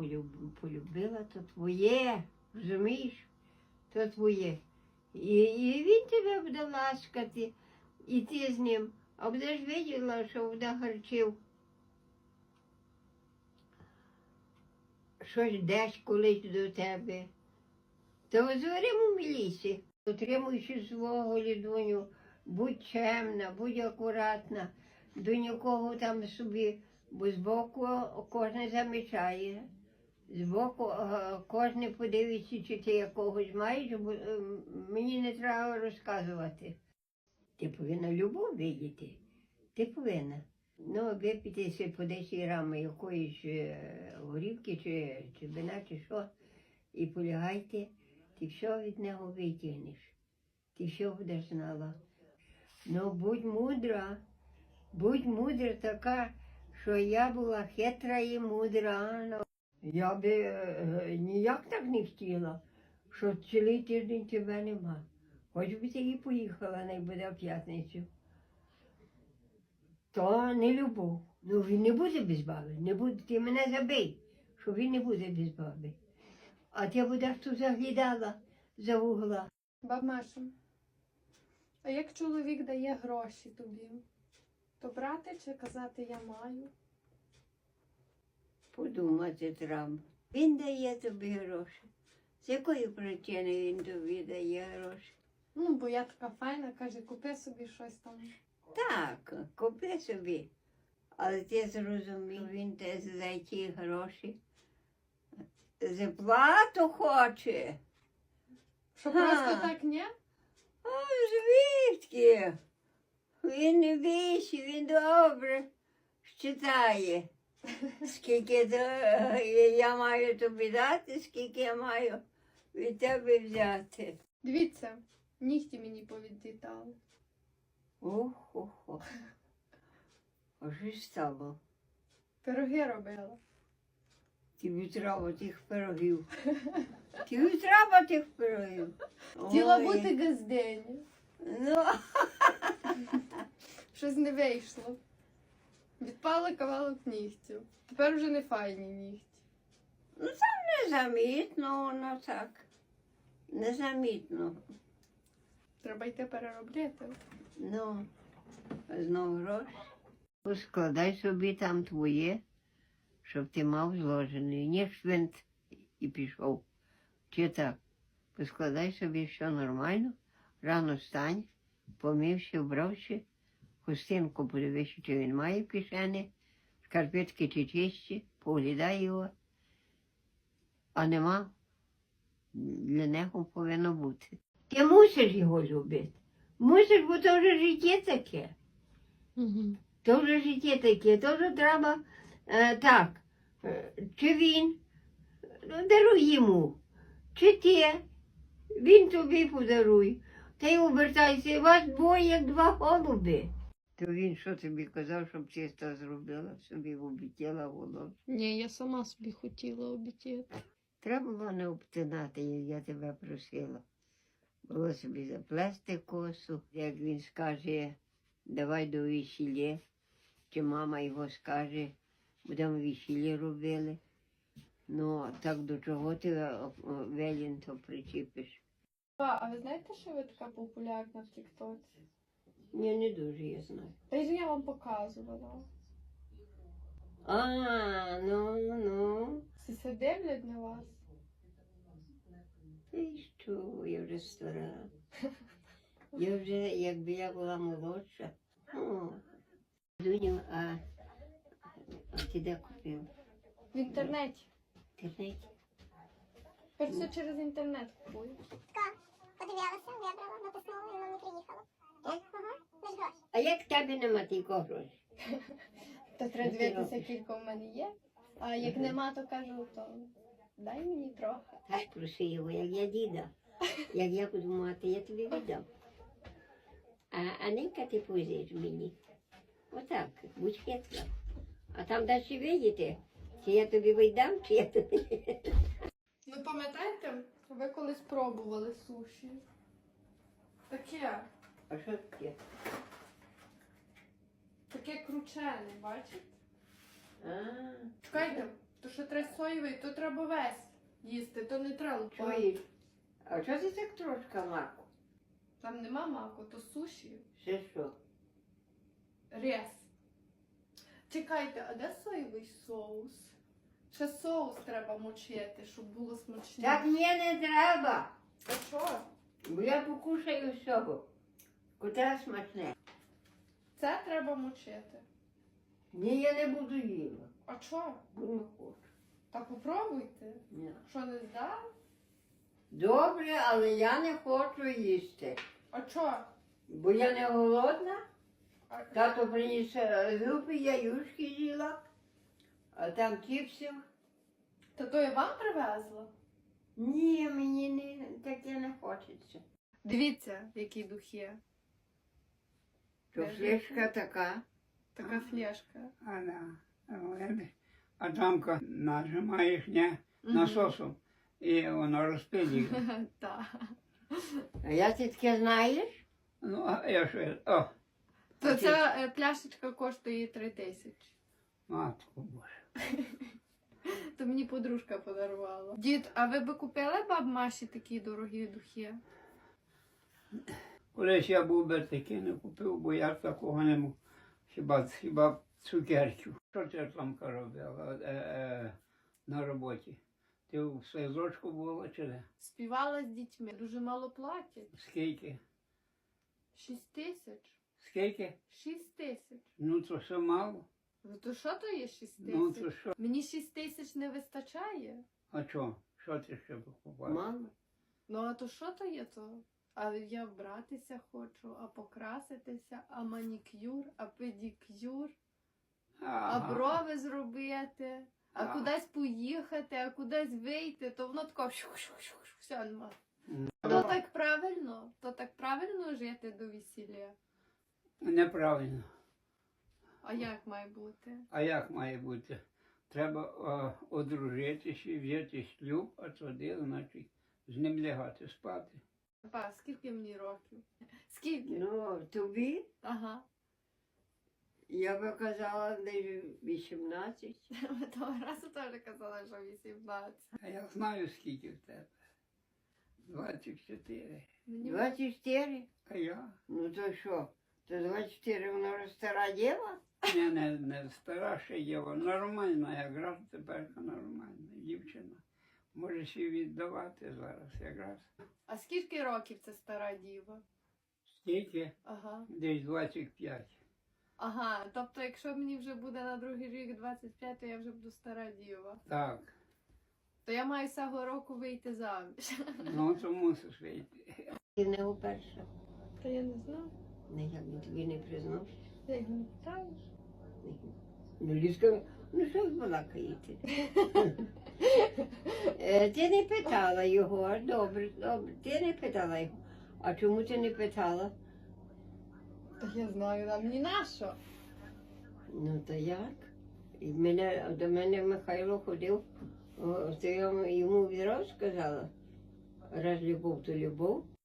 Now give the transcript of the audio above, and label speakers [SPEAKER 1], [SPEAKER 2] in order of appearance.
[SPEAKER 1] полюбила, то твоє, розумієш? То твоє. І він тебе буде ласкати, і ти з ним. А будеш виділа, що буде харчив. Щось десь колись до тебе. То зоримо в лісі. Утримуючи свого лідоню, будь чемна, будь акуратна, до нікого там собі, бо збоку кожен замічає. Збоку кожен подивиться, чи ти якогось маєш, бо мені не треба розказувати. Ти повинна любов видіти. Ти повинна. Ну, випити по 10 грам якоїсь горівки, чи вина, чи що, і полягайте, ти все від нього витягнеш. Ти все будеш знала. Ну, будь мудра така, що я була хитра і мудра. Я би ніяк так не хотіла, що цілий тиждень тебе нема. Хоч би ти і поїхала, не буде в п'ятницю. То не любов. Ну він не буде без баби. Не буде, ти мене забий, що він не буде без баби. А ти будеш тут заглядала за вугла.
[SPEAKER 2] Баб Маша, а як чоловік дає гроші тобі, то брати чи казати я маю?
[SPEAKER 1] Подумати треба. Він дає тобі гроші. З якої причини він тобі дає гроші?
[SPEAKER 2] Ну, бо я така файна, каже, купи собі щось там.
[SPEAKER 1] Так, купи собі. Але ти зрозумів, він те за ті гроші зарплату хоче.
[SPEAKER 2] Що просто так, ні?
[SPEAKER 1] А звідки? Він не більше, він добре считає. Скільки я маю тобі дати, скільки я маю від тебе взяти.
[SPEAKER 2] Дивіться, нігті мені повідлітали.
[SPEAKER 1] Ох. А що ж стало?
[SPEAKER 2] Пироги робила.
[SPEAKER 1] Тобі треба тих пирогів. Тобі треба тих пирогів.
[SPEAKER 2] Хотіла
[SPEAKER 1] Ой.
[SPEAKER 2] бути газдені.
[SPEAKER 1] Ну,
[SPEAKER 2] Щось не вийшло. Відпали кавалок нігтів. Тепер вже не файні нігті.
[SPEAKER 1] незамітно воно так. Незамітно.
[SPEAKER 2] Треба йти переробляти.
[SPEAKER 1] Ну, знову гроші. Поскладай собі там твоє, щоб ти мав зложений. Не швинт і пішов. Чи так? Поскладай собі все нормально, рано встань, помився, вбрався, хустинку подивися, чи він має в кишені, шкарпетки чи чисті, поглядай його. А нема, для нього повинно бути. Ти мусиш його любити. Мусиш, бо то вже життя таке.
[SPEAKER 2] Угу.
[SPEAKER 1] То вже життя таке, то вже треба так. Чи він, даруй йому, чи ти, він тобі подаруй. Та й обертайся, вас двоє, як два голуби. То він що тобі казав, щоб чисто зробила, собі обітіла волосся?
[SPEAKER 2] Ні, я сама собі хотіла обіцяти.
[SPEAKER 1] Треба було не обтинати, як я тебе просила. Було собі заплести косу, як він скаже, давай до весілля, чи мама його скаже, будемо весілля робили. Ну, так до чого ти велін то причіпиш?
[SPEAKER 2] А ви знаєте, що ви така популярна в Тік-Тоці?
[SPEAKER 1] Ні, не дуже я знаю.
[SPEAKER 2] Та й я вам показувала.
[SPEAKER 1] Ну.
[SPEAKER 2] Всі се дивлять на вас.
[SPEAKER 1] Ти що, я вже стара. Я вже, якби я була молодша. О, Дуню, а ти де купив?
[SPEAKER 2] В інтернеті.
[SPEAKER 1] В інтернеті?
[SPEAKER 2] Тепер все через інтернет купую.
[SPEAKER 3] Так, подивилася, вибрала, натиснула і воно не приїхало. Ага, без грошей.
[SPEAKER 1] А як в тебе нема тільки грошей?
[SPEAKER 2] То треба
[SPEAKER 1] Ти
[SPEAKER 2] дивитися,
[SPEAKER 1] робиш?
[SPEAKER 2] кілька в мене є. А як нема, то кажу, то дай мені трохи.
[SPEAKER 1] Так, проси його, як я діда. Як я буду мати, я тобі віддам. А ненька ти позиш мені. Отак, будь хитра. А там далі видите, чи я тобі віддам, чи я тобі...
[SPEAKER 2] Ну пам'ятаєте, ви колись пробували суші? Таке.
[SPEAKER 1] А що таке?
[SPEAKER 2] Таке кручене, бачите?
[SPEAKER 1] А,
[SPEAKER 2] Чекайте, То що треба соєвий, то треба весь їсти, то не треба лупати.
[SPEAKER 1] Чуєш? А чого ти так трошки маку?
[SPEAKER 2] Там нема маку, то суші.
[SPEAKER 1] Ще що?
[SPEAKER 2] Рез. Чекайте, а де соєвий соус? Ще соус треба мочити, щоб було смачніше.
[SPEAKER 1] Так ні, не треба.
[SPEAKER 2] А що?
[SPEAKER 1] Бо я покушаю всього. Котра смачне.
[SPEAKER 2] Це треба мочити.
[SPEAKER 1] Ні, я не буду їла.
[SPEAKER 2] А що?
[SPEAKER 1] Бо не хочу.
[SPEAKER 2] Та попробуйте.
[SPEAKER 1] Ні.
[SPEAKER 2] Що не здав?
[SPEAKER 1] Добре, але я не хочу їсти.
[SPEAKER 2] А що?
[SPEAKER 1] Бо я не голодна.
[SPEAKER 2] А...
[SPEAKER 1] Тато приніс групи, я юшки їла, а там чіпсів.
[SPEAKER 2] Та то я вам привезла?
[SPEAKER 1] Ні, мені не, таке не хочеться.
[SPEAKER 2] Дивіться, які духи.
[SPEAKER 1] То флешка така.
[SPEAKER 2] Така флешка.
[SPEAKER 4] А там нажимаєш насосом і воно розпилює.
[SPEAKER 2] Так.
[SPEAKER 1] А я ти таке знаєш?
[SPEAKER 4] Ну, а я що,
[SPEAKER 2] То ця пляшечка коштує 3000.
[SPEAKER 4] матку боже.
[SPEAKER 2] То мені подружка подарувала. Дід, а ви би купили баб Маші такі дорогі духи?
[SPEAKER 4] Колись я був би таки не купив, бо я такого не мав. Хіба цукерків. Що ти там робила на роботі? Ти в садочку була чи не?
[SPEAKER 2] Співала з дітьми. Дуже мало платять.
[SPEAKER 4] Скільки?
[SPEAKER 2] 6000.
[SPEAKER 4] Скільки?
[SPEAKER 2] 6000.
[SPEAKER 4] Ну то все мало.
[SPEAKER 2] Ну то що то є 6000?
[SPEAKER 4] Ну то що?
[SPEAKER 2] Мені 6000 не вистачає.
[SPEAKER 4] А що? Що ти ще покупав?
[SPEAKER 1] Мама.
[SPEAKER 2] Ну а то що то є то? А я вбратися хочу, а покраситися, а манікюр, а педикюр, а брови зробити, а
[SPEAKER 4] Ага.
[SPEAKER 2] кудись поїхати, а кудись вийти, то воно тако все нема.
[SPEAKER 4] Ну.
[SPEAKER 2] То так правильно? То так правильно жити до весілля?
[SPEAKER 4] Неправильно.
[SPEAKER 2] А як має бути?
[SPEAKER 4] А як має бути? Треба одружитися, взяти шлюб, а тоді, значить, з ним лягати спати.
[SPEAKER 2] Па, скільки мені років? Скільки?
[SPEAKER 1] Ну, тобі,
[SPEAKER 2] Ага.
[SPEAKER 1] я би казала, десь 18.
[SPEAKER 2] Ми того разу теж казали, що 18.
[SPEAKER 4] А я знаю, скільки в тебе. 24.
[SPEAKER 2] Мені
[SPEAKER 1] 24?
[SPEAKER 4] А я?
[SPEAKER 1] Ну то що? То 24 вона вже стара діва?
[SPEAKER 4] Не стара ще є, нормальна, якраз тепер нормальна дівчина. Можеш її віддавати зараз якраз.
[SPEAKER 2] А скільки років це стара діва?
[SPEAKER 4] Скільки?
[SPEAKER 2] Ага.
[SPEAKER 4] Десь 25.
[SPEAKER 2] Ага, тобто якщо мені вже буде на другий рік 25, то я вже буду стара діва.
[SPEAKER 4] Так.
[SPEAKER 2] То я маю цього року вийти заміж.
[SPEAKER 4] Ну, то мусиш вийти.
[SPEAKER 1] Ти не уперше.
[SPEAKER 2] Та я не знаю.
[SPEAKER 1] Не, я б тобі не признав.
[SPEAKER 2] Ти їх не питаєш?
[SPEAKER 1] Ну, Ліска, ну що ви балакаєте? Ти не питала його, добре, добре, ти не питала його. А чому ти не питала?
[SPEAKER 2] Та я знаю, а мені нащо?
[SPEAKER 1] Ну, то як? До мене Михайло ходив, то я йому відразу сказала, раз любов, то любов.